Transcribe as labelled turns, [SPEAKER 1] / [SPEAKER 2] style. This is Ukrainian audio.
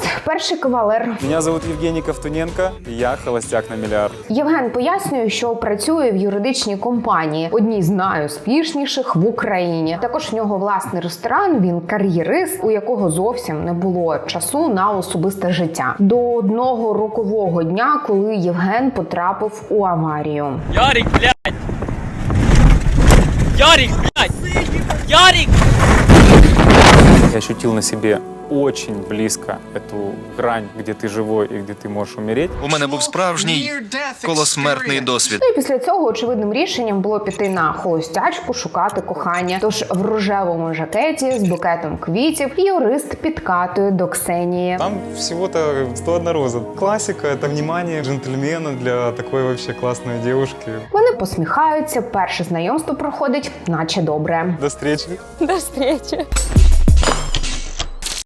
[SPEAKER 1] перший кавалер.
[SPEAKER 2] Меня зовут Евгений Ковтуненко, и я холостяк на миллиард.
[SPEAKER 1] Євген пояснює, що працює в юридичній компанії, одній з найуспішніших в Україні. Також в нього власний ресторан, він кар'єрист, у якого зовсім не було часу на особисте життя. До одного рокового дня, коли Євген потрапив у аварію.
[SPEAKER 3] Ярик, блядь! Ярик, блядь! Ярик!
[SPEAKER 2] Я ощутил на себе очень близко эту грань, где ты живой и где ты можешь умереть.
[SPEAKER 4] У мене був справжній колосмертний досвід.
[SPEAKER 1] Ну і після цього очевидним рішенням було піти на холостячку, шукати кохання. Тож в рожевому жакеті з букетом квітів юрист підкатує до Ксенії.
[SPEAKER 2] Там всего-то 101 роза. Классика, это внимание джентльмена для такой вообще классной девушки.
[SPEAKER 1] Вони посміхаються, перше знайомство проходить наче добре.
[SPEAKER 2] До встречи.
[SPEAKER 1] До зустрічі.